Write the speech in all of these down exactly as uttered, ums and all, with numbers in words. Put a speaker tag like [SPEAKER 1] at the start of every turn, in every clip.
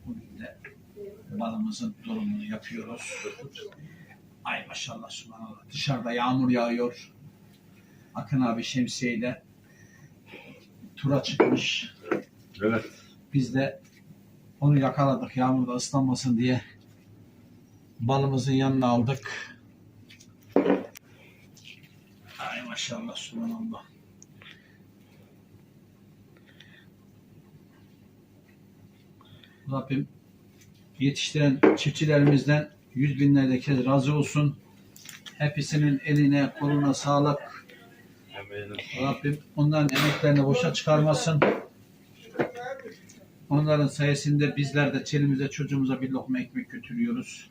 [SPEAKER 1] Bugün de balımızın durumunu yapıyoruz. Ay maşallah subhanallah. Dışarıda yağmur yağıyor. Akın abi şemsiyeyle tura çıkmış.
[SPEAKER 2] Evet.
[SPEAKER 1] Biz de onu yakaladık yağmurda ıslanmasın diye. Balımızın yanına aldık. Ay maşallah subhanallah. Rabbim yetiştiren çiftçilerimizden yüz binlerce kez razı olsun. Hepsinin eline koluna sağlık. Rabbim onların emeklerini boşa çıkarmasın. Onların sayesinde bizler de çelimize çocuğumuza bir lokma ekmek götürüyoruz.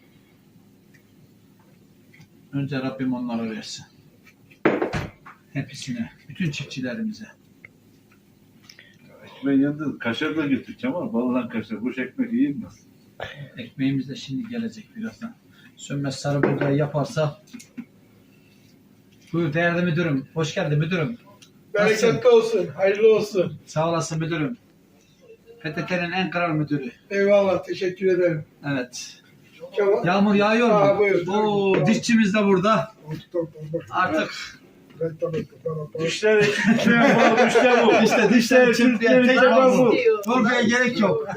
[SPEAKER 1] Önce Rabbim onlara versin. Hepsine, bütün çiftçilerimize.
[SPEAKER 2] Ekmeğin yanında kaşar da getir Kemal. Balından kaşar. Boş ekmek yiyilmez.
[SPEAKER 1] Ekmeğimiz de şimdi gelecek birazdan. Sönmez sarı buğday yaparsa. Buyur değerli müdürüm. Hoş geldin müdürüm.
[SPEAKER 3] Bereketli olsun, hayırlı olsun.
[SPEAKER 1] Sağ olasın müdürüm. P T T'nin en kral müdürü.
[SPEAKER 3] Eyvallah, teşekkür ederim.
[SPEAKER 1] Evet.
[SPEAKER 3] Kemal.
[SPEAKER 1] Yağmur yağıyor mu?
[SPEAKER 3] Aa, buyur.
[SPEAKER 1] Oo, dişçimiz de burada. Artık
[SPEAKER 2] Dişler ekmeğe bağlı. Dişler bu.
[SPEAKER 1] işte dişler çırpıyan tek
[SPEAKER 2] Kemal
[SPEAKER 1] bu.
[SPEAKER 2] bu.
[SPEAKER 1] Korkuya gerek yok.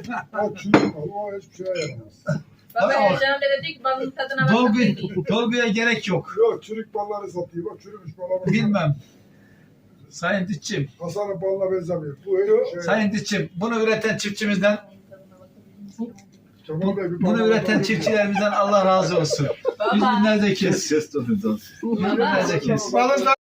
[SPEAKER 4] Baba Ercan Bey dedik balın tadına bakın
[SPEAKER 1] Dolgu,
[SPEAKER 4] dedi.
[SPEAKER 1] dolguya gerek yok.
[SPEAKER 5] Yok, çürük balları satıyor. Bak çürümüş bala bak.
[SPEAKER 1] Bilmem. Sayın dişçim,
[SPEAKER 5] Hasan'ın balına benzemiyor. Bu öyle şey.
[SPEAKER 1] sayın dişçim, bunu üreten çiftçimizden,
[SPEAKER 5] Kemal Bey, bir
[SPEAKER 1] bunu
[SPEAKER 5] balına
[SPEAKER 1] üreten
[SPEAKER 5] bak.
[SPEAKER 1] çiftçilerimizden Allah razı olsun. Yüz
[SPEAKER 4] Baba.
[SPEAKER 1] binlerce kez.
[SPEAKER 2] Kes onu.
[SPEAKER 1] Yüz binlerce kez.
[SPEAKER 3] Balın